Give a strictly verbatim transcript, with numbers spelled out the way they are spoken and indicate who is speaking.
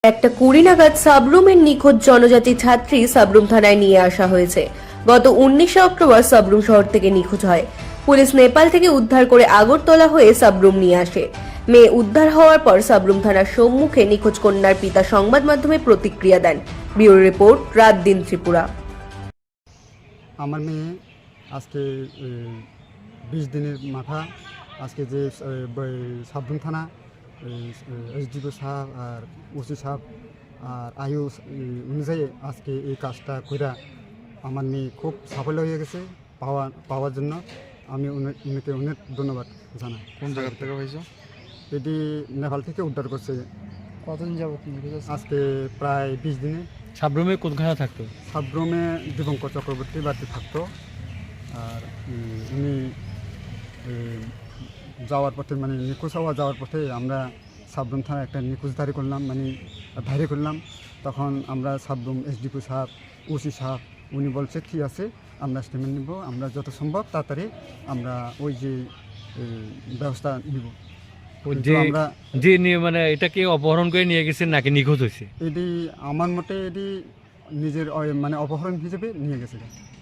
Speaker 1: একটা কুড়ি নাগাদ সাবরুমের নিখোঁজ জনজাতি ছাত্রী সাবরুম থানায় নিয়ে আসা হয়েছে। গত উনিশে অক্টোবর সাবরুম শহর থেকে নিখোঁজ হয়। পুলিশ নেপাল থেকে উদ্ধার করে আগরতলা হয়ে সাবরুম নিয়ে আসে। মেয়ে উদ্ধার হওয়ার পর সাবরুম থানার সম্মুখে নিখোঁজ কন্যার পিতা সংবাদ মাধ্যমে প্রতিক্রিয়া দেন। ব্যুরো রিপোর্ট, রাত দিন ত্রিপুরা।
Speaker 2: আমার মেয়ে আজকে বিশ দিনের মাথা আজকে যে সাবরুম থানা এসডিও সাহেব আর ওসি সাহেব আর আয়ু অনুযায়ী আজকে এই কাজটা কইরা আমার মেয়ে খুব সাফল্য হয়ে গেছে পাওয়া পাওয়ার জন্য আমি উনাকে অনেক ধন্যবাদ জানাই।
Speaker 3: কোন জায়গা থেকে হয়েছে?
Speaker 2: এটি নেপাল থেকে উদ্ধার করছে।
Speaker 3: কতদিন যাবত?
Speaker 2: আজকে প্রায় বিশ দিনে।
Speaker 4: সাবরুমে কোনখানে থাকতো?
Speaker 2: সাবরুমে দীপঙ্কর চক্রবর্তী বাড়িতে থাকতো। আর উনি যাওয়ার পথে মানে নিখোঁজ হওয়া যাওয়ার পথে আমরা সাবরুম থানায় একটা নিখোঁজদারি করলাম, মানে ধারি করলাম। তখন আমরা সাবরুম এসডিপি সাহেব, ওসি সাহেব উনি বলছে ঠিক আছে, আমরা স্টেটমেন্ট নিব, আমরা যত সম্ভব তাড়াতাড়ি আমরা ওই যে ব্যবস্থা নিব।
Speaker 4: যে যে নিয়ে মানে এটাকে অপহরণ করে নিয়ে গেছে নাকি নিখোঁজ হয়েছে?
Speaker 2: এটি আমার মতে এটি নিজের মানে অপহরণ হিসেবে নিয়ে গেছে।